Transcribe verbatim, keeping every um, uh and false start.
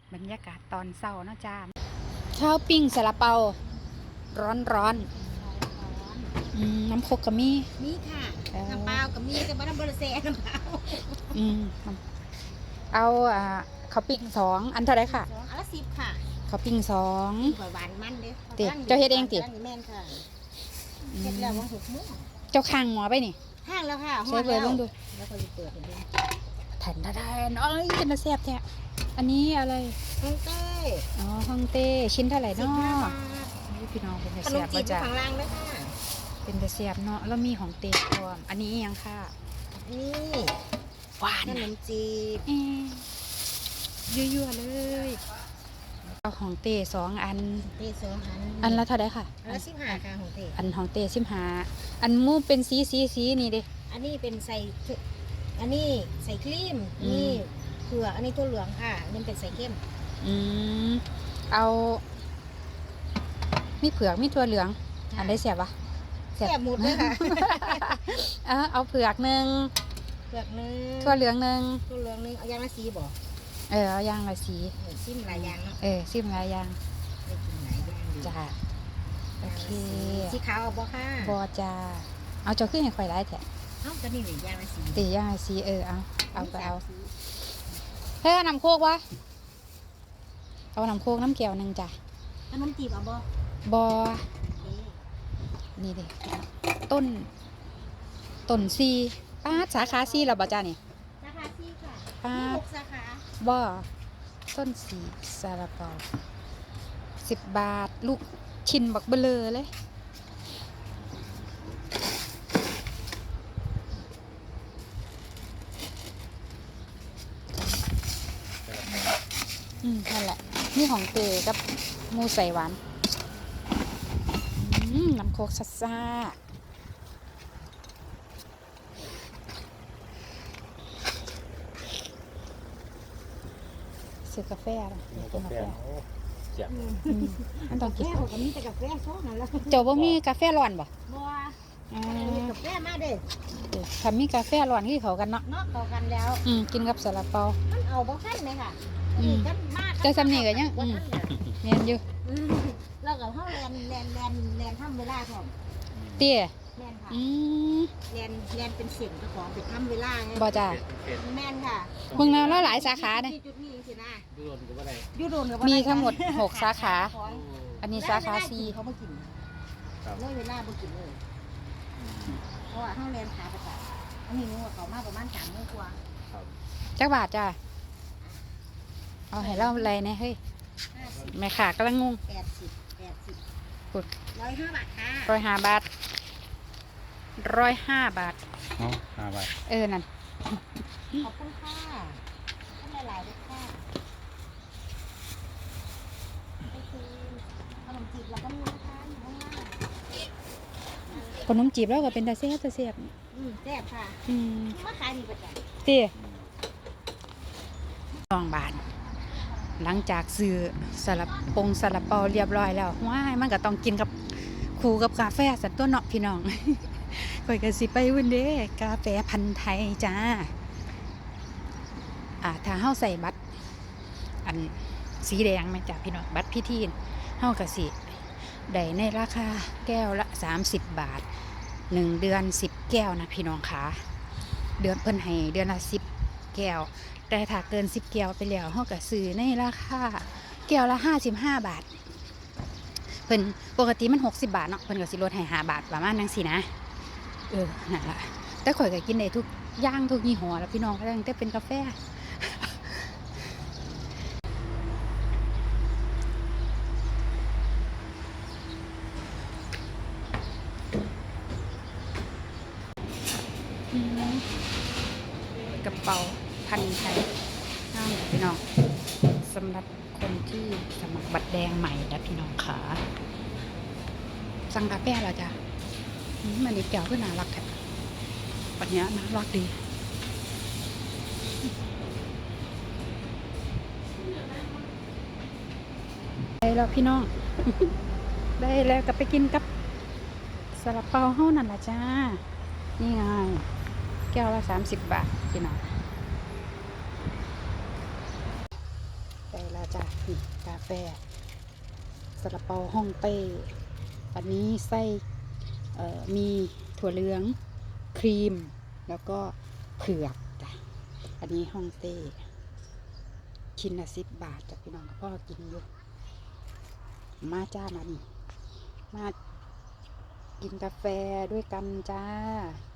บรรยากาศตอนเช้าเนาะจ้าข้าวปิ้งซาลาเปาร้อนร้อนอืมน้ำโคกกะมีมีค่ะน้ำเปล่ากับมีกับน้ำบริเซน้ำเปล่าอืมเอาอ่าข้าวปิ้งสองอันเท่าไรค่ะสองอันละสิบค่ะข้าวปิ้งสองหวานมันเด้เตี๋ยเจ้าเฮ็ดเองติแม่นค่ะเฮ็ดแล้ววันหกโมงเจ้าข้างหมอไปนี่ห้างแล้วค่ะใช้เปิดลงดูแล้วก็จะเปิดดูแผ่นทาๆเอ้ยเป็นตะแซ่บแท้อันนี้อะไรฮ่องเต้อ๋อฮ่องเต้ชิ้นเท่าไหร่เนาะพี่น้องเป็นตะแซ่บก็จะข้างล่างด้วยค่ะเป็นตะแซ่บเนาะแล้วมีของเต้พร้อมอันนี้ยังค่ะนี่หวานขนมจีบยั่วๆเลยเอาของเต้สองอันเต้สองอันอันละเท่าไหร่ค่ะอันละสิบห้าค่ะของเต้อันของเต้สิบห้าอันมูเป็นสีสีสีนี่ดิอันนี้เป็นใส่อันนี้ใส่ครีมนี่เผือกอันนี้ตัวเหลืองค่ะนี่เป็นใส่เข้มอืมเอามีเผือกมีตัวเหลืองอันได้เสียบปะเสียบหมดเลยค่ะเออเอาเผือกหนึ่งเผือกหนึ่งตัวเหลืองหนึ่งตัวเหลืองหนึ่งเอายางละสีบ่เออเอายางละสีซิมหลายยางเนาะเออซิมหลายยางได้กินหลายยางจ้าโอเคสีขาวเอาบ่ค่ะบ่จ้าเอาเจ้าขึ้นให้ข่อยได้แท้เอ้าก็นี่หรือยางละสีตียางละสีเออเอาเอาไปเอาเฮ้ยน้ำโคกวะเอาน้ำโคกน้ำเกี่ยวหนึ่งจ้ะขนมจีบเอาบ่บ่นี่ดิต้นต้นซีป้าสาขาซีเราบ่จ้านี่สาขาซีค่ะป้าหกสาขาบ่ต้นสีซาลาเปาสิบบาทลูกชิ้นบักเบลอเลยอืมนั่นแหละนี่ของเตกับมูใส่หวานอืมน้ำโคกซัดซ่าซื้อกาแฟนะกินกาแฟมันต้องกินกาแฟก็มีแต่กาแฟโซ่นั่นแหละเจ้าบ่มีกาแฟร้อนบ่บ่อ่ากาแฟมาเด้อถ้ามีกาแฟร้อนที่เขากันเนาะเนาะเข้ากันแล้วอืมกินกับซาลาเปามันเอาบ่คันไหมค่ะอืมแต่สำนีก็ยังอืมเนียนอยู่แล้วก็เฮาแลนแลนแลนแลนทำเวลาพร้อมเตี้ยแม่นค่ะอืมแลนแลนเป็นเส้นเจ้าของไปทำเวลาไงบ่จ้าแม่นค่ะเมืองแล้วหลายสาขาเด้จุดนี้สินะยูโรนก็บ่ได้ยูโรนก็บ่ได้มีทั้งหมดหกสาขาอันนี้สาขาสี่เขาบ่กินเลยเวลาบ่กินเลยเพราะว่าเฮาแลนขาประจำอันนี้นึกว่าเขามาประมาณสามโมงกว่าจักบาทจ้าเอาให้เราอะไรเนี่ยเฮ้ยแม่ขากำลังงงแปดสิบแปดสิบกุดร้อยห้าบาทค่ะร้อยห้าบาทร้อยห้าบาทเนาะห้าบาทเออนั่นขอบคุณค่ะท่านหลายๆด้วยค่ะไปซื้อขนมจีบแล้วก็มีนะคะอยู่ข้างล่างขนมจีบแล้วก็เป็นตาเสียบตาเสียบอืมแซ่บค่ะอืมมาขายดีประจำเตี้ยสองบาทหลังจากซื้อซาลาปงซาลาเปาเรียบร้อยแล้วว้ายมันก็ต้องกินกับคู่กับกาแฟสัตว์ตัวเนาะพี่น้องข่อยก็สิไปวันเด้กาแฟพันธุ์ไทยจ้าอ่าถ้าเฮาใส่บัตรอันสีแดงไหมจ้าพี่น้องบัตรพิธีเฮาก็สิได้ในราคาแก้วละสามสิบบาทหนึ่งเดือนสิบแก้วนะพี่น้องคะเดือนเพิ่นให้เดือนละสิบแก้วแต่ถ้าเกินสิบแก้วไปแล้วเฮาก็ซื้อในราคาแก้วละห้าสิบห้าบาทเพิ่นปกติมันหกสิบบาทเนาะเพิ่นก็สิลดให้ห้าบาทประมาณนั้นสินะเออนั่นล่ะแต่ข่อยก็กินได้ทุกอย่างทุกยี่ห้อแล้วพี่น้องก็ตั้งแต่เป็นกาแฟกระเป๋าพันไทยห้ามพี่น้องสำหรับคนที่สมัครบัตรแดงใหม่นะพี่น้องขาสั่งกาแฟเหรอจ๊ะมันนี่แก้วก็น่ารักแท้ปัญญาน่ารักดีได้แล้วพี่น้อง ได้แล้วก็ไปกินกับซาลาเปาเฮานั่นแหละจ้านี่ไงแก้วละสามสิบบาทพี่น้องได้แล้วจ้ะนี่กาแฟซาลาเปาฮ่องเต้อันนี้ไส้เอ่อมีถั่วเหลืองครีมแล้วก็เผือกจ้ะอันนี้ฮ่องเต้ชิ้นละสิบบาทจ้ะพี่น้องพ่อกินอยู่มาจ้ามานี่มากินกาแฟด้วยกันจ้า